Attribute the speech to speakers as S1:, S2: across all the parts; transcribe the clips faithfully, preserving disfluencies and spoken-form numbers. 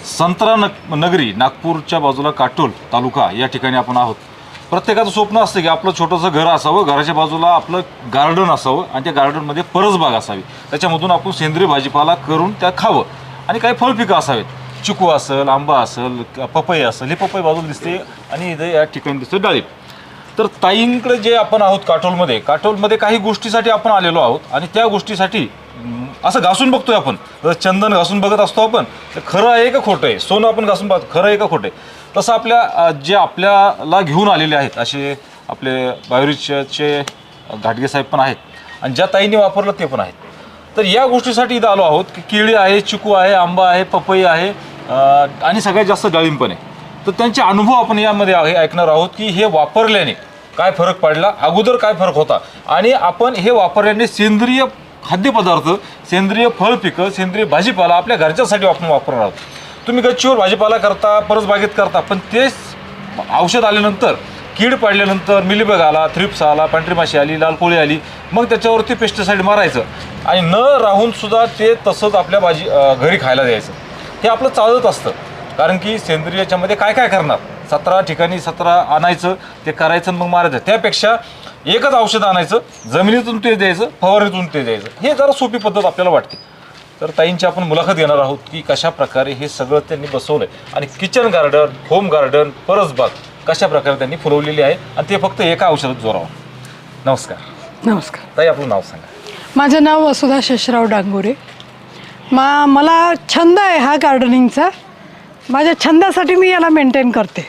S1: संत्रा नग नगरी नागपूरच्या बाजूला काटोल तालुका या ठिकाणी आपण आहोत. प्रत्येकाचं स्वप्न असतं की आपलं छोटंसं घर असावं, घराच्या बाजूला आपलं गार्डन असावं आणि त्या गार्डनमध्ये परसबाग असावी, त्याच्यामधून आपण सेंद्रिय भाजीपाला करून त्या खावं आणि काही फळपिकं असावेत. चिकू असेल, आंबा असेल, पपई असेल. हे पपई बाजूला दिसते आणि इथे या ठिकाणी दिसतं डाळिंब. तर ताईंकडे जे आपण आहोत काटोलमध्ये, काटोलमध्ये काही गोष्टीसाठी आपण आलेलो आहोत आणि त्या गोष्टीसाठी असं घासून बघतोय आपण. जर चंदन घासून बघत असतो आपण तर खरं आहे का खोटं आहे, सोनं आपण घासून पाहतो खरं आहे का खोटं आहे, तसं आपल्या जे आपल्याला घेऊन आलेले आहेत असे आपले बायोरिचचे घाटगे साहेब पण आहेत आणि ज्या ताईंनी वापरलं ते पण आहेत. तर या गोष्टीसाठी इथं आलो आहोत की केळी आहे, चिकू आहे, आंबा आहे, पपई आहे आणि सगळ्यात जास्त डाळिंब पण आहे. तर त्यांचे अनुभव आपण यामध्ये ऐकणार आहोत की हे वापरल्याने काय फरक पडला, अगोदर काय फरक होता आणि आपण हे वापरल्याने सेंद्रिय खाद्यपदार्थ, सेंद्रिय फळ पिकं, सेंद्रिय भाजीपाला आपल्या घरच्यासाठी आपण वापरणार आहोत. तुम्ही गच्चीवर भाजीपाला करता, परसबागेत करता, पण तेच औषध आल्यानंतर, कीड पडल्यानंतर मिलीबग आला, थ्रिप्स आला, पांढरी माशी आली, लाल कोळी आली, मग त्याच्यावरती पेस्टिसाईड मारायचं आणि न राहून सुद्धा ते तसंच आपल्या भाजी घरी खायला द्यायचं. हे आपलं चालत असतं. कारण की सेंद्रियाच्यामध्ये काय काय करणार, सतरा ठिकाणी सतरा आणायचं, ते करायचं मग मारायचं. त्यापेक्षा एकच औषध आणायचं, जमिनीतून ते द्यायचं, फवारणीतून ते द्यायचं. हे जरा सोपी पद्धत आपल्याला वाटते. तर ताईंची आपण मुलाखत घेणार आहोत की कशा प्रकारे हे सगळं त्यांनी बसवलंय आणि किचन गार्डन, होम गार्डन, परसबाग कशा प्रकारे त्यांनी फुलवलेली आहे आणि ते फक्त एका औषधात जोरावं. नमस्कार.
S2: नमस्कार
S1: ताई, आपलं नाव सांगा.
S2: माझं नाव वसुधा शेषराव डांगोरे. मा मला छंद आहे हा गार्डनिंगचा. माझ्या छंदासाठी मी याला मेंटेन करते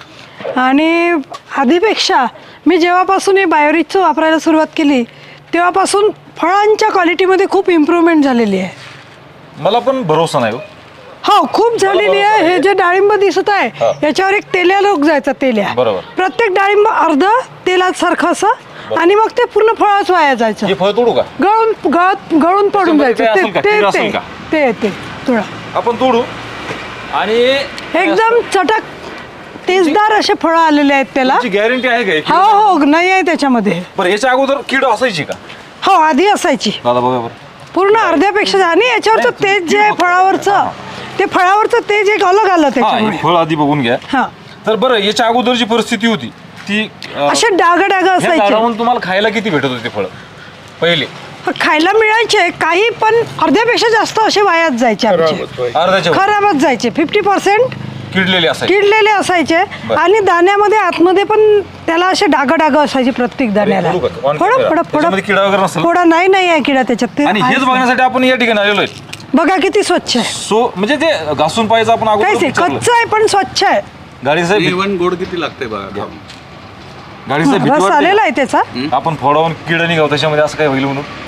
S2: आणि आधीपेक्षा मी जेव्हापासून हे बायोरिचचं वापरायला सुरुवात केली तेव्हापासून फळांच्या क्वालिटीमध्ये खूप इम्प्रूव्हमेंट झालेली आहे.
S1: मला पण भरोसा नाही हो.
S2: हो, खूप झालेली आहे. हे जे डाळिंब दिसत आहे याच्यावर एक तेल्या लोक जायचा, तेल्या.
S1: बरोबर.
S2: प्रत्येक डाळिंब अर्ध तेलात सारखं असं आणि मग ते पूर्ण फळच वाया जायचं.
S1: हे फळ तोडू का?
S2: गळून गळत गळून पडून जायचं.
S1: ते असेल का?
S2: ते
S1: कीड
S2: ते
S1: असेल का?
S2: ते ते तुळा
S1: आपण तोडू आणि
S2: एकदम चटक तेजदार असे फळं आलेले आहेत त्याला.
S1: गॅरंटी आहे का?
S2: हो हो, नाही आहे त्याच्यामध्ये.
S1: बरं, याच्या अगोदर कीड असायची का?
S2: हो, आधी असायची
S1: दादा बघा बरं.
S2: पूर्ण अर्ध्यापेक्षा. आणि याच्यावरचं तेज जे आहे फळावरचं, ते फळावरचं तेज एक अलग आलं त्याच्यामुळे.
S1: फळ आधी बघून घ्या.
S2: हा,
S1: तर बरं, याच्या अगोदरची परिस्थिती होती ती
S2: असे डाग डाग असायचे.
S1: झाडावरून तुम्हाला खायला किती भेटत होते फळ पहिले?
S2: खायला मिळायचे काही, पण अर्ध्यापेक्षा जास्त असे वायात जायचे आमचे.
S1: अर्ध्याच्या
S2: खराबच जायचे. फिफ्टी पर्सेंट
S1: किडलेले असायचे.
S2: किडलेले असायचे आणि दाण्यामध्ये आतमध्ये पण त्याला असे डाग डाग असायचे प्रत्येक दाण्याला. फळ फळ फळ
S1: किडा वगैरे नसेल.
S2: थोडा नाही नाही आहे किडा त्याच्यात. ते
S1: आणि हेच बघण्यासाठी आपण या ठिकाणी आलेलो आहे.
S2: बघा किती स्वच्छ आहे.
S1: सो म्हणजे ते घासून पाहिजे आपण अगोदर
S2: काहीच
S1: विचारलं.
S2: कच्चं आहे पण स्वच्छ आहे.
S1: गाडी साहेब,
S3: इव्हन गोड किती लागते बघा.
S1: गाडी साहेब भीती
S2: रस
S1: वाटते
S2: आलेला
S1: का?
S2: आहे त्याचा.
S1: आपण फोडावून किड निघाव त्याच्यामध्ये असं काय होईल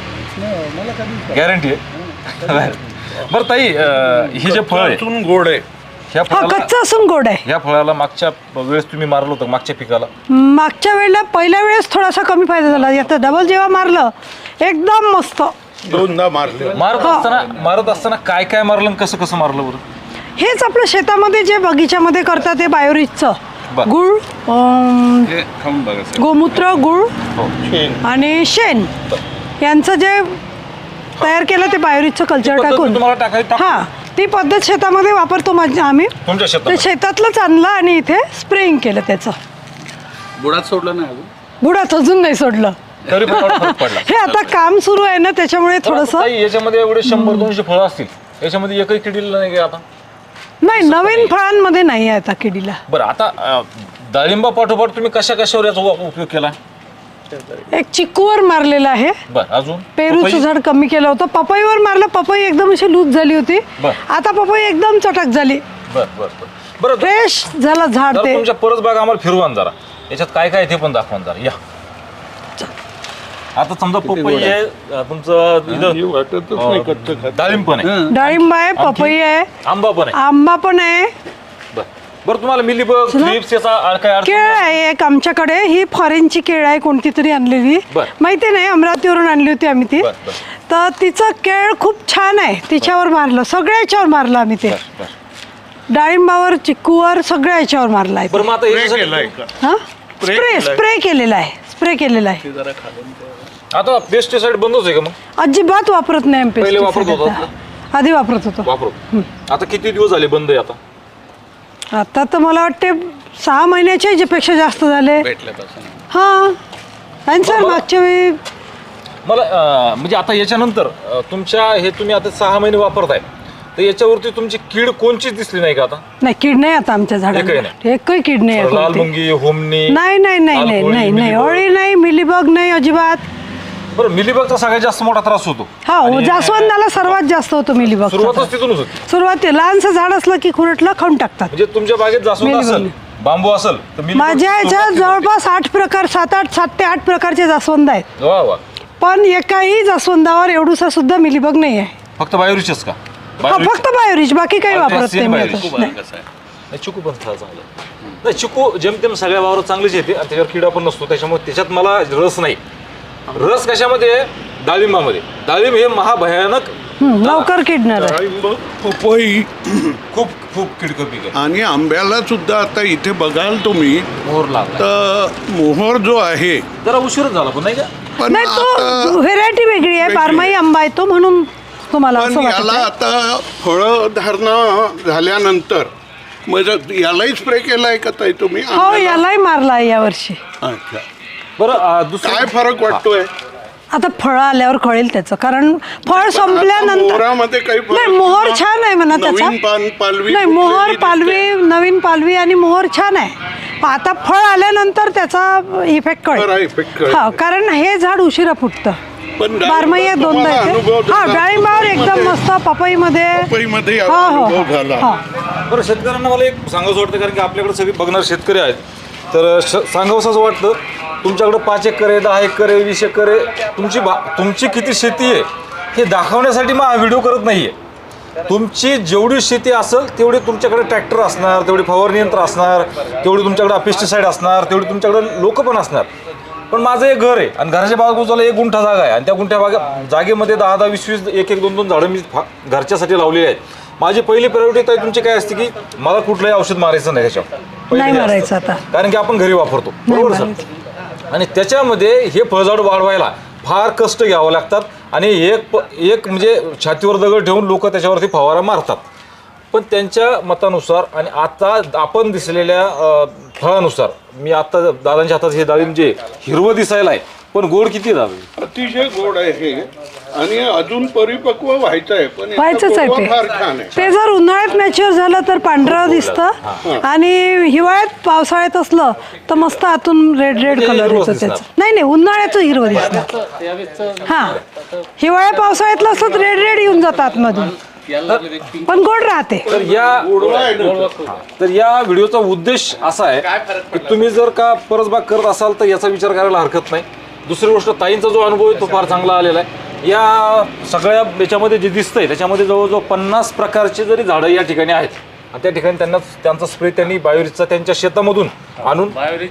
S1: म्हणून गॅरंटी आहे. बरं ताई, हे जे फळ आहे
S3: गोड आहे.
S1: ह्या
S2: हा,
S1: फळाला
S2: कच्चा असून गोड आहे.
S1: ह्या फळाला मागच्या वेळेस तुम्ही मारलं होतं, मागच्या पिकाला
S2: मागच्या वेळेला पहिल्या वेळेस थोडासा कमी फायदा झाला. आता डबल जेव्हा मारलं एकदम मस्त.
S3: दोनदा मारले.
S1: मारत असताना मारत असताना काय काय मारलं आणि कसं कसं मारलं बरं?
S2: हेच आपलं शेतामध्ये जे बगीच्यामध्ये करतात ते बायोरिचचं
S1: बरं.
S2: गुळ, अं,
S3: हे खाऊन बघा साहेब.
S2: गोमूत्र, गुळ
S1: हो.
S2: आणि शेण यांचं जे तयार केलं ते बायोरिचचं कल्चर
S1: पद्धत
S2: टाकून.
S1: तुम्हाला टाकायची टाक-
S2: हा, ती पद्धत शेतामध्ये वापरतो माझ्या आम्ही.
S1: तुमच्या
S2: ते
S1: शेतात
S2: शेतातलंच आणलं आणि इथे स्प्रेइंग केलं त्याचं.
S3: बुडात सोडलं नाही अजून.
S2: बुडात अजून नाही सोडलं.
S1: तरी पण एवढा फरक पडला.
S2: हे आता काम सुरू आहे ना त्याच्यामुळे थोडंसं.
S1: ताई, याच्यामध्ये एवढे शंभर दोनशे फळं असतील, याच्यामध्ये एकही किडीला नाही का आता?
S2: नाही, नवीन फळांमध्ये नाही आहे आता किडीला.
S1: बरं, आता अं, डाळिंबा पाठोपाठ तुम्ही कशा कशावर याचा उ- उपयोग केला?
S2: एक चिक्कूवर मारलेला आहे.
S1: बरं, अजून
S2: पेरूचं
S1: पपई?
S2: झाड कमी केलं होतं. पपईवर मारलं, पपई एकदम अशी लूज झाली होती.
S1: बरं.
S2: आता पपई एकदम चटक झाली,
S1: बरं बरं बरं बरं
S2: फ्रेश झालं झाड
S1: जरा
S2: ते.
S1: तुमच्या परसबाग आम्हाला फिरवान जरा, याच्यात काय काय ते पण दाखवान जरा. या आता समजा पपई आहे, अं, तुमचं इथं
S3: वाटतच नाही कच्चं खात.
S1: डाळिंब पण आहे,
S2: डाळिंब आहे, पपई आहे,
S1: आंबा पण आहे.
S2: आंबा पण आहे,
S1: बरं बरं तुम्हाला मिलीबग, थ्रिप्स याचा आ- काय अर्थ?
S2: केळ आहे एक आमच्याकडे. ही फॉरेनची केळ आहे कोणती तरी आणलेली,
S1: बरं.
S2: माहिती नाही, अमरावतीवरून आणली होती आम्ही ती.
S1: बरं, बरं.
S2: तर तिचं केळ खूप छान आहे, तिच्यावर मारलं, सगळ्या याच्यावर मारलं आम्ही ते.
S1: बरं, बरं.
S2: डाळिंबावर, चिक्कूवर, सगळ्या याच्यावर मारलं आहे.
S1: बरं, मग आता याच्यासाठी-
S3: केलंय का?
S2: हा, स्प्रे स्प्रे केलेला आहे, स्प्रे केलेला आहे.
S3: ते जरा खालून ते.
S1: आता पेस्टिसाइड बंदच आहे का मग?
S2: अजिबात वापरत नाही आम्ही
S1: पहिले वापरत
S2: pesticide
S1: होतात
S2: आता. आधी वापरत होतो.
S1: वापरत. आता किती दिवस झाले बंद आहे आता?
S2: आता तर मला वाटते सहा महिन्याच्या पेक्षा जास्त झाले.
S3: भेटल्यापासून
S2: हां आणि सर मागच्या वेळी
S1: मला अं, म्हणजे आता याच्यानंतर अं, तुमच्या हे तुम्ही आता सहा महिने वापरताय तर याच्यावरती तुमची कीड कोणचीच दिसली नाही का आता?
S2: नाही, कीड नाही आता आमच्या झाडाला.
S1: एकही नाही.
S2: एकही कीड नाही आहे
S1: लाल
S2: कोणती.
S1: मुंगी, होमनी,
S2: नाही नाही नाही
S1: लाल
S2: नाही
S1: कोळी,
S2: नाही नाही
S1: मिलीबग.
S2: ओळी नाही, मिलीबग नाही अजिबात.
S1: बरं, मिलीबगचा सगळ्यात जास्त मोठा त्रास होतो.
S2: हा
S1: आणि
S2: जास्वंदाला सर्वात जास्त होतो मिलीबग.
S1: सुरुवातच तिथूनच होती.
S2: सुरुवाती लहानसं झाड असलं की खुरटला खाऊन टाकतात.
S1: म्हणजे तुमच्या बागेत जास्वंद
S2: मिलीबग.
S1: असेल, बांबू असेल तर मिलीबग
S2: माझ्या याच्यात
S1: सुरुवात
S2: जवळपास आठ प्रकार सात आठ सात ते आठ प्रकारचे जास्वंद आहेत.
S1: तिथून. वा वा.
S2: पण एकाही जास्वंदावर एवढूसा सुद्धा मिलीबग नाही आहे.
S1: फक्त बायोरिचच का?
S2: हा, फक्त बायोरिच, बाकी काही
S1: आणि ते
S2: वापरत नाही मी
S1: बायोरिच.
S2: आता.
S3: खूप
S2: नाही.
S3: कसं आहे
S1: नाही, चिकू पण फार चांगलं आहे. नाही, चिकू जेमतेम सगळ्या वावरात चांगलीच येते आणि त्याच्यावर किडा पण नसतो, त्याच्यामुळे त्याच्यात मला रस नाही. रस कशामध्ये आहे? डाळिंबामध्ये. डाळिंब हे महाभयानक
S2: हम्म, लवकर किडणार आहे.
S3: डाळिंब, पपई
S1: खूप खूप किडकं पीक आहे.
S3: आणि आंब्याला सुद्धा आता इथे बघाल तुम्ही
S1: मोहर लागला
S3: तर मोहर जो आहे
S1: जरा उशीरच झाला पण नाही का?
S3: पण
S2: नाही, तो
S3: आता
S2: व्हेरायटी वेगळी आहे.
S3: वेगळी
S2: बारमाही
S3: आहे.
S2: आंबा आहे तो, म्हणून तुम्हाला
S3: पण
S2: असं
S3: याला
S2: वाटत.
S3: आता फळं धारणा झाल्यानंतर मग यालाही स्प्रे केलाय का ताई तुम्ही
S2: हो,
S3: आंब्याला?
S2: यालाही मारला आहे यावर्षी.
S3: अच्छा.
S1: बरं अं, दुसरं
S3: काय फरक वाटतोय
S2: आता फळं आल्यावर कळेल त्याचं, कारण फळ संपल्यानंतर.
S3: मोहरामध्ये काही फरक
S2: नाही, मोहर
S3: किंवा
S2: छान आहे म्हणा त्याचा.
S3: नवीन पान पालवी
S2: नाही, मोहर
S3: फुटलेली
S2: पालवी, नवीन पालवी आणि मोहर छान आहे. पण आता फळ आल्यानंतर त्याचा इफेक्ट
S3: बरा
S2: कळेल.
S3: effect कळेल.
S2: हा, कारण हे झाड उशिरा फुटतं.
S3: पण
S2: बारमाही
S3: डाळिंबात
S2: दोनदा
S3: तुम्हाला अनुभव
S2: येते. हा,
S3: झाला.
S2: डाळिंबावर एकदम
S3: पपईमध्ये-
S2: मस्त, पपईमध्ये.
S3: पपईमध्ये
S2: हा, हो,
S3: अनुभव
S2: हो,
S3: झाला.
S2: हा.
S1: बरं, शेतकऱ्यांना मला एक सांगावंसं वाटतं, कारण की आपल्याकडे सगळे बघणार शेतकरी आहेत, तर श सांगावंसं असं वाटतं तुमच्याकडं पाच एकर आहे, दहा एकर आहे, वीस एकर आहे, तुमची बा तुमची किती शेती आहे हे दाखवण्यासाठी मग हा व्हिडिओ करत नाही आहे. तुमची जेवढी शेती असेल तेवढी तुमच्याकडे ट्रॅक्टर असणार, तेवढी फवारणी यंत्र असणार, तेवढी तुमच्याकडे पेस्टिसाईड असणार, तेवढी तुमच्याकडे लोक पण असणार. पण माझं एक घर आहे आणि घराच्या बाजूला एक गुंठा जागा आहे आणि त्या गुंठ्या बागा जागेमध्ये दहा दहा वीस वीस एक एक दोन दोन झाडं मी फा- घरच्यासाठी लावलेली आहेत. माझी पहिली प्रायोरिटी आहे तुमची काय असते की मला कुठलंही औषध मारायचं नाही त्याच्यावर. पहिलं
S2: नाही
S1: हे असतं.
S2: मारायचं आता.
S1: कारण की आपण घरी वापरतो,
S2: नाही
S1: बरोबर सर?
S2: मारायचं.
S1: आणि त्याच्यामध्ये हे फळझाड वाढवायला फार कष्ट घ्यावं लागतात आणि एक प- एक म्हणजे छातीवर दगड ठेवून लोक त्याच्यावरती फवारा मारतात. पण त्यांच्या मतानुसार आणि आता आपण दिसलेल्या अ, फळानुसार मी आता दादांच्या हातात हे डाळिंब जे हिरवं दिसायला आहे, पण गोड किती दादा?
S3: अतिशय गोड आहे हे आणि अजून परिपक्व व्हायचं आहे पण याचा
S2: व्हायचंच आहे
S3: गोडवा
S2: ते.
S3: फार छान आहे.
S2: ते जर उन्हाळ्यात मॅच्युअर झालं तर पांढरं दिसतं आणि हिवाळ्यात पावसाळ्यात असलं तर मस्त आतून रेड रेड
S1: ते
S2: कलर
S1: हिरवंच
S2: येतो त्याचं.
S1: दिसणार.
S2: नाही नाही, उन्हाळ्याचं हिरवं दिसणार. हा, हिवाळ्या पावसाळ्यातलं असलं तर रेड रेड येऊन जातं आतमधून, पण गोड राहते.
S1: तर या
S3: गोडवा आहे ना.
S1: तर या व्हिडिओचा उद्देश असा आहे की तुम्ही जर का परसबाग करत असाल तर याचा विचार करायला हरकत नाही. दुसरी गोष्ट, ताईंचा जो अनुभव आहे तो फार चांगला आलेला आहे. या सगळ्या याच्यामध्ये जे दिसतंय त्याच्यामध्ये जवळजवळ पन्नास प्रकारचे जरी झाडं या ठिकाणी आहेत आणि त्या ठिकाणी त्यांना त्यांचा स्प्रे त्यांनी बायोरिचचा त्यांच्या शेतामधून आणून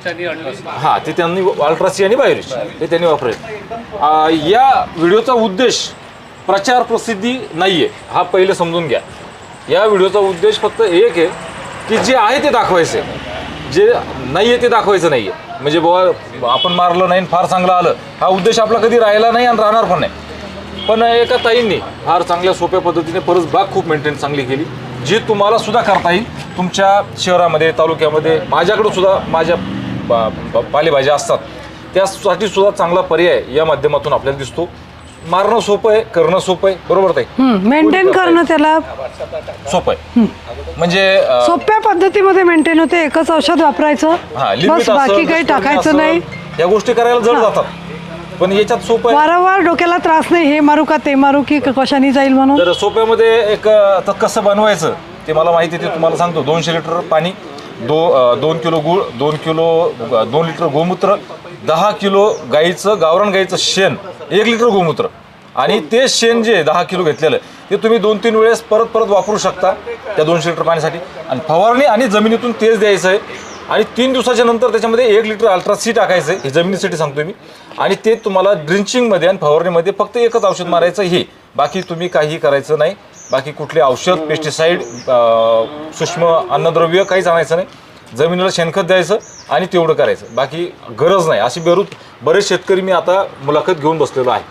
S1: हां ते त्यांनी अल्ट्रासी आणि बायोरिच हे त्यांनी वापरले. या व्हिडिओचा उद्देश प्रचार प्रसिद्धी नाही आहे, हा पहिले समजून घ्या. या व्हिडिओचा उद्देश फक्त एक आहे की जे आहे ते दाखवायचं आहे, जे नाही आहे ते दाखवायचं नाही आहे. म्हणजे बाबा आपण मारलं नाही फार चांगलं आलं हा उद्देश आपला कधी राहिला नाही आणि राहणार पण नाही. पण एका ताईंनी फार चांगल्या सोप्या पद्धतीने परसबाग खूप मेंटेन चांगली केली, जी तुम्हाला सुद्धा करता येईल तुमच्या शहरामध्ये, तालुक्यामध्ये. माझ्याकडं सुद्धा माझ्या बा- बा- पालेभाज्या असतात, त्यासाठी सुद्धा चांगला पर्याय या माध्यमातून आपल्याला दिसतो. मारणं सोपं आहे, करणं सोपं आहे, बरोबर ताई?
S2: मेंटेन करणं त्याला
S1: सोपं आहे. म्हणजे अं,
S2: सोप्या पद्धतीमध्ये मेंटेन होते. एकच औषध वापरायचं,
S1: हा, limit
S2: बस,
S1: असेल,
S2: बाकी काही
S1: restoring
S2: टाकायचं
S1: असेल,
S2: नाही.
S1: या गोष्टी करायला जड जातात, पण याच्यात सोपं आहे.
S2: वारंवार डोक्याला त्रास नाही, हे मारू का ते मारू की कशाने जाईल म्हणून.
S1: तर सोप्यामध्ये एक आता कसं बनवायचं ते मला माहिती आहे, ते तुम्हाला सांगतो. दोनशे लिटर पाणी, दो अं, दोन किलो गूळ, दोन किलो अं, दोन लिटर गोमूत्र, दहा किलो गाईचं गावरान गाईचं शेण, एक लिटर गोमूत्र आणि ते शेण जे दहा किलो घेतलेलं ते तुम्ही दोन तीन वेळेस परत परत वापरू शकता त्या दोनशे लिटर पाण्यासाठी. आणि फवारणी आणि जमिनीतून तेच द्यायचं आहे आणि तीन दिवसाच्या नंतर त्याच्यामध्ये एक लिटर अल्ट्रासी टाकायचं आहे, हे जमिनीसाठी सांगतोय मी. आणि ते तुम्हाला ड्रिंचिंगमध्ये आणि फवारणीमध्ये फक्त एकच औषध मारायचं हे, बाकी तुम्ही काही करायचं नाही. बाकी कुठले औषध, पेस्टिसाईड, सूक्ष्म अन्नद्रव्य काहीच आणायचं नाही. जमिनीला शेणखत द्यायचं आणि तेवढं करायचं, बाकी गरज नाही. अशी बेरूत बरेच शेतकरी मी आता मुलाखत घेऊन बसलेलो आहे.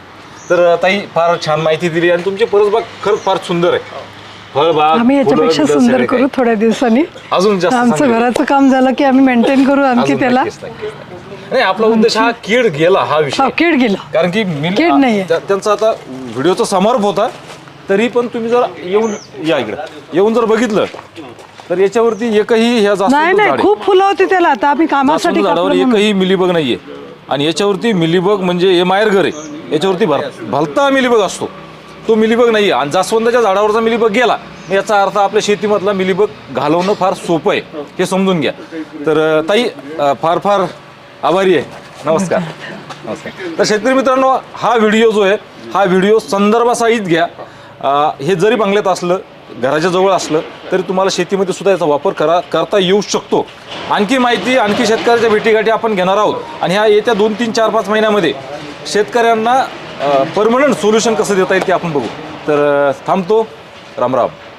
S1: तर ताई फार छान माहिती दिली आणि तुमची परसबाग खरंच फार सुंदर आहे. फळबाग
S2: आम्ही याच्यापेक्षा
S1: फुलं,
S2: सुंदर
S1: सगळे
S2: करू
S1: काही.
S2: थोड्या दिवसांनी.
S1: अजून जास्त
S2: आमचं
S1: चांगलं.
S2: घराचं काम झालं की आम्ही मेंटेन करू आणखी
S1: अजून
S2: त्याला.
S1: नक्कीच, नक्कीच, नक्कीच. नाही आपला उद्देश हा कीड गेला हा विषय
S2: हो, कीड गेला.
S1: कारण की मी
S2: कीड नाहीये.
S1: त्या- त्यांचा आता व्हिडिओचा समारोप होता तरी पण तुम्ही जर येऊन या इकडे येऊन जर बघितलं तर याच्यावरती एकही ह्या जास्त
S2: नाही नाही खूप फुलं होती त्याला. आता आम्ही कामासाठी
S1: झाडावर
S2: कापलं म्हणून.
S1: एकही मिलीबग नाहीये आणि याच्यावरती मिलीबग म्हणजे हे माहेरघर आहे याच्यावरती भर भलता मिलीबग असतो तो मिलीबग नाहीये आणि जास्वंदाच्या झाडावरचा मिलीबग गेला याचा अर्थ आपल्या शेतीमधला मिलीबग घालवणं फार सोपं आहे हे समजून घ्या. तर अं, ताई अं, फार फार आभारी आहे. नमस्कार नमस्कार. तर शेतकरी मित्रांनो हा व्हिडिओ जो आहे हा व्हिडिओ संदर्भासहित घ्या. अं, हे जरी बंगल्यात असलं घराच्या जवळ असलं तरी तुम्हाला शेतीमध्ये सुद्धा याचा वापर करा करता येऊ शकतो. आणखी माहिती आणखी शेतकऱ्याच्या भेटीगाठी आपण घेणार आहोत आणि ह्या येत्या दोन तीन चार पाच महिन्यामध्ये शेतकऱ्यांना परमनंट सोल्युशन कसं देता येईल ते आपण बघू. तर अं, थांबतो. राम राम.